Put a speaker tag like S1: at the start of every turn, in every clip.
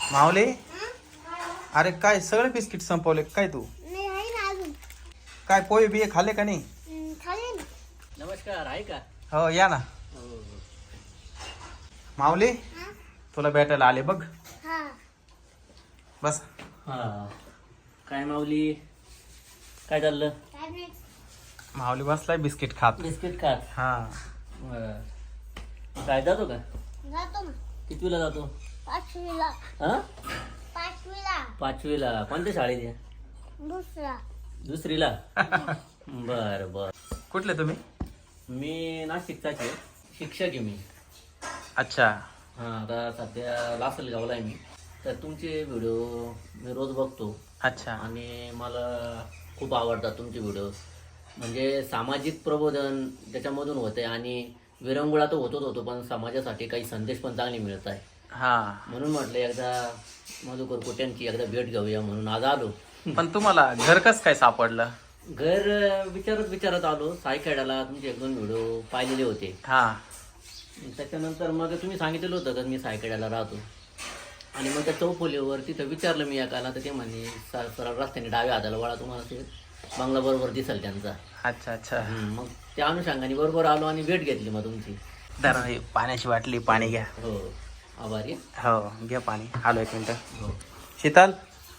S1: मावले, अरे काय सगळे बिस्किट संपवले काय तू?
S2: नाही आहे ना अजून.
S1: काय पोहे बिये खाल्ले का नाही?
S2: खाली ना.
S3: नमस्कार, आहे का?
S1: हो या ना.
S3: हो.
S1: माऊली,
S2: हा?
S1: तुला भेटायला आले बघ.
S2: हा.
S1: बस.
S3: हा. काय माऊली, काय चाललं?
S2: काय नाही.
S1: माऊली बसलाय बिस्किट खात.
S3: बिस्किट खात.
S1: हा.
S3: बरं. काय जातो का?
S2: जातो ना.
S3: कितवीला जातो?
S2: 5वीला.
S3: हा?
S2: 5वीला.
S3: 5वीला. कोणत्या शाळेत आहे?
S2: दुसरा.
S3: दुसरीला. बर बर.
S1: कुठले तुम्ही?
S3: मी नाशिकचाच आहे, शिक्षक आहे मी.
S1: अच्छा.
S3: हा, आता सध्या लासलगावला आहे मी. तर तुमचे व्हिडिओ मी रोज बघतो
S1: अच्छा.
S3: आणि मला खूप आवडतात तुमचे व्हिडिओ. म्हणजे सामाजिक प्रबोधन त्याच्यामधून होते आणि विरंगुळा तर होतो पण समाजासाठी काही संदेश पण चांगले मिळत आहे.
S1: हा.
S3: म्हणून म्हटलं एकदा मधुकर कोट्यांची एकदा भेट घेऊया म्हणून आज आलो.
S1: पण तुम्हाला घर कस काय सापडलं?
S3: घर विचारत आलो. सायखेड्याला तुमचे 1-2 व्हिडिओ पाहिलेले होते.
S1: हा.
S3: त्याच्यानंतर मग तुम्ही सांगितलेलं होतं का मी सायखेड्याला राहतो आणि मग त्या चौफुलीवर तिथं विचारलं मी एकाला, तर ते म्हणे सरळ रस्त्याने डाव्या हाताला वळा, तुम्हाला ते बंगला बरोबर दिसेल त्यांचा.
S1: अच्छा अच्छा.
S3: मग त्या अनुषंगाने बरोबर आलो आणि भेट घेतली मग तुमची.
S1: जरा हे पाण्याची बाटली, पाणी घ्या.
S3: हो, आभारी.
S1: हो घ्या पाणी. आलो 1 मिनिट.
S3: हो.
S1: शीतल,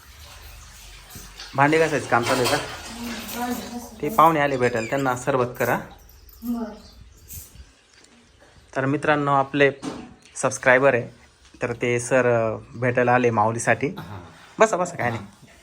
S1: भांडी घासायचं काम चालू आहे का? ते पाहुणे आले भेटायला, त्यांना सरबत करा. तर मित्रांनो, आपले सबस्क्रायबर आहे, तर ते सर भेटायला आले माऊलीसाठी.
S3: हां.
S1: बसा बसा, काय नाही.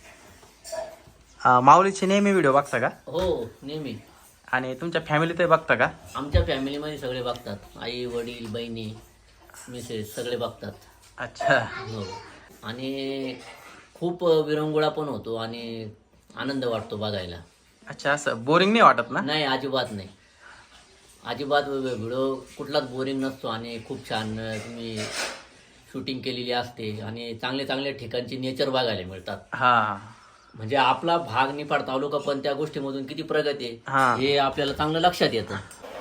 S1: माऊलीचे नेहमी व्हिडिओ बघता का?
S3: हो, नेहमी.
S1: आणि तुमच्या फॅमिलीत बघता का?
S3: आमच्या फॅमिलीमध्ये सगळे बघतात. आई वडील बहिणी मिसेस सगळे बघतात.
S1: अच्छा.
S3: हो. आणि खूप विरंगुळा पण होतो आणि आनंद वाटतो बघायला.
S1: अच्छा, असं बोरिंग नाही वाटत ना?
S3: नाही, अजिबात नाही. अजिबात व्हिडिओ कुठलाच बोरिंग नसतो आणि खूप छान तुम्ही शूटिंग केलेली असते आणि चांगले चांगले ठिकाणची नेचर बघायला मिळतात.
S1: हा.
S3: म्हणजे आपला भाग निफाड तालुका पण त्या गोष्टीमधून किती प्रगती
S1: हा.
S3: आहे हे आपल्याला चांगलं लक्षात येतं.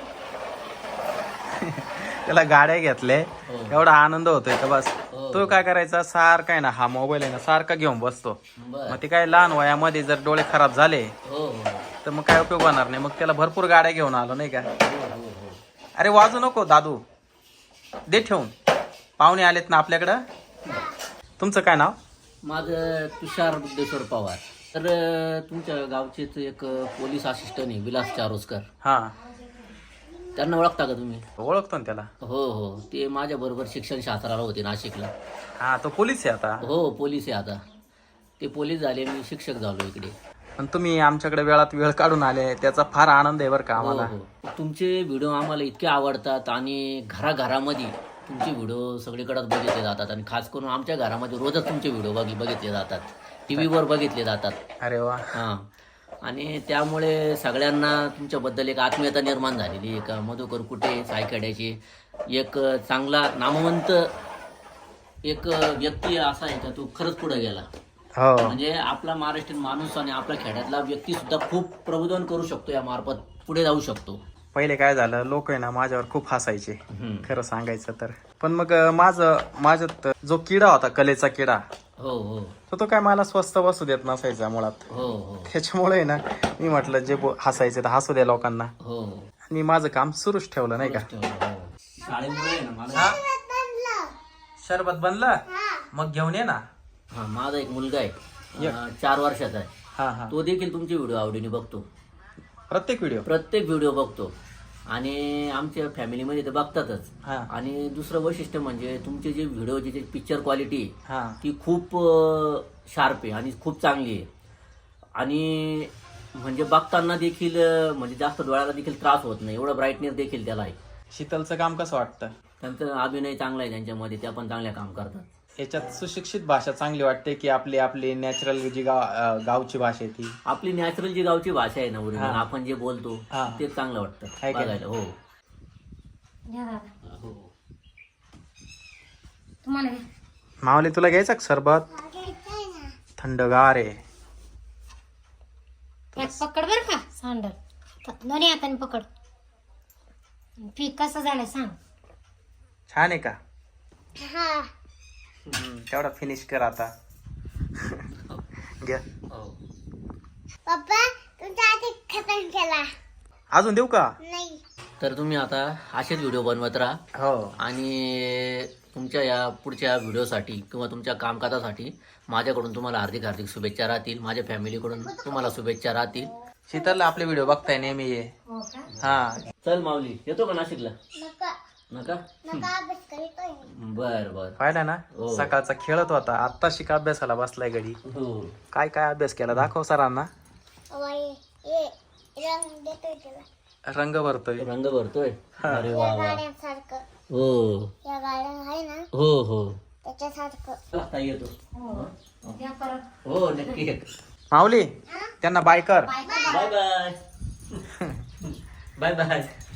S1: त्याला गाड्या घेतले,
S3: हो.
S1: एवढा आनंद होतोय का बस.
S3: हो.
S1: तो काय करायचा, सारखा आहे ना हा मोबाईल आहे ना सारखा घेऊन बसतो.
S3: बर.
S1: मग ते काय लहान वयामध्ये जर डोळे खराब झाले
S3: हो हो
S1: तर मग काय उपयोग होणार नाही. मग त्याला भरपूर गाड्या घेऊन आलो नाही का.
S3: हो हो.
S1: अरे वाजू नको दादू, दे ठेवून. पाहुणे आलेत ना आपल्याकडं. तुमचं काय नाव?
S3: माझं तुषार बुद्धेश्वर पवार. तर तुमच्या गावचेच एक पोलीस असिस्टंट आहे विलास चारोस्कर,
S1: हा.
S3: त्यांना ओळखता का तुम्ही?
S1: ओळखतो ना त्याला.
S3: हो हो, ते माझ्या बरोबर शिक्षण शास्त्राला होते नाशिकला.
S1: हा, तो पोलीस आहे आता.
S3: हो, पोलीस आहे आता. ते पोलीस झाले, मी शिक्षक झालो इकडे.
S1: पण तुम्ही आमच्याकडे वेळात वेळ काढून आले, त्याचा फार आनंद आहे बरं का
S3: हो
S1: आम्हाला.
S3: हो. तुमचे व्हिडिओ आम्हाला इतके आवडतात आणि घराघरामध्ये तुमचे व्हिडिओ सगळीकडे बघितले जातात आणि खास करून आमच्या घरामध्ये रोजच तुमचे व्हिडिओ बघितले जातात, टीव्हीवर बघितले जातात.
S1: अरे वा.
S3: हां. आणि त्यामुळे सगळ्यांना तुमच्याबद्दल एक आत्मीयता निर्माण झालेली आहे का मधुकर कुटे सायखेड्याची एक चांगला नामवंत एक व्यक्ती असा आहे का तो खरंच पुढे गेला.
S1: हो.
S3: म्हणजे आपला महाराष्ट्रीयन माणूस आणि आपल्या खेड्यातला व्यक्ती सुद्धा खूप प्रबोधन करू शकतो, या मार्फत पुढे जाऊ शकतो.
S1: पहिले काय झालं, लोक आहे ना माझ्यावर खूप हसायचे
S3: हम्म.
S1: खरं सांगायचं तर. पण मग माझ्यात जो किडा होता, कलेचा किडा,
S3: हो हो
S1: तो काय मला स्वस्त बसू देत नसायचा मुळात.
S3: हो हो
S1: त्याच्यामुळे ना मी म्हटलं जे हसायचे तर हसू द्या लोकांना.
S3: हो.
S1: मी माझं काम सुरूच ठेवलं नाही का.
S3: शाळेमुळे आहे ना मला.
S1: हा? शरबत बनलं, मग घेऊन ये ना.
S3: हा, माझा एक मुलगा आहे 4 वर्षाचा आहे.
S1: हा हा.
S3: तो देखील तुमचे व्हिडिओ आवडीने बघतो,
S1: प्रत्येक
S3: व्हिडिओ बघतो आणि आमच्या फॅमिलीमध्ये ते बघतातच.
S1: हा
S3: आणि दुसरं वैशिष्ट्य म्हणजे तुमचे जे व्हिडिओची जे पिक्चर क्वालिटी आहे
S1: हा.
S3: ती खूप शार्प आहे आणि खूप चांगली आहे आणि म्हणजे बघताना देखील म्हणजे जास्त डोळ्याला देखील त्रास होत नाही, एवढं ब्राईटनेस देखील त्याला आहे.
S1: शीतलचं काम कसं वाटतं?
S3: त्यांचा अभिनय चांगला आहे त्यांच्यामध्ये, त्या पण चांगल्या काम करतात.
S1: याच्यात सुशिक्षित भाषा चांगली वाटते की आपली नॅचरल जी गावची भाषा आहे ती?
S3: आपली नॅचरल जी गावची भाषा आहे ना, ओरिजिनल
S1: हा.
S3: आपण जे बोलतो
S1: हा.
S3: ते चांगलं वाटतं
S1: आहे का?
S3: बघायला. हो
S2: घ्या दादा.
S3: हो.
S2: तुम्हाला घ्या.
S1: मावली तुला घ्यायचं का सरबत?
S2: घ्यायचंय ना.
S1: थंडगार आहे.
S2: एक पकड बर का सांडल, दोन्ही हाताने पकड. पीक कसं झालंय सांग.
S1: छान आहे का?
S2: हा.
S1: शेवढा फिनिश कर आता. घ्या.
S3: हो.
S2: पप्पा तुमचा आधी खतम केला
S1: अजून देऊ का?
S2: नाही.
S3: तर तुम्ही आता असेच व्हिडिओ बनवत राहा
S1: हो.
S3: आणि तुमच्या या पुढच्या व्हिडिओसाठी किंवा तुमच्या कामकाजासाठी माझ्याकडून तुम्हाला हार्दिक हार्दिक शुभेच्छा राहतील. माझ्या फॅमिलीकडून तुम्हाला शुभेच्छा राहतील.
S1: शीतलला आपले व्हिडिओ बघताय नेहमी ये.
S2: हो का?
S1: हा.
S3: चल माऊली, येतो का नाशिकला?
S2: नका
S3: नका?
S2: नका अभ्यास करीतोय.
S3: बर बर.
S1: पाहिला ना
S3: हो.
S1: सकाळचा खेळत होता, आता शिका अभ्यासाला बसलाय घडी.
S3: हो.
S1: काय काय अभ्यास केला दाखव सरांना.
S2: ये रंग देतोय तुला.
S1: रंग भरतोय.
S3: रंग भरतोय. अरे
S2: या
S3: वा वा.
S2: गाड्यांसारखं.
S3: हो
S2: या गाड्या आहे ना
S3: हो हो.
S2: त्याच्यासारखं.
S3: आता येतो.
S2: या परत.
S3: हो नक्की येतो.
S1: माऊली त्यांना बाय कर.
S3: Bye bye. Bye bye.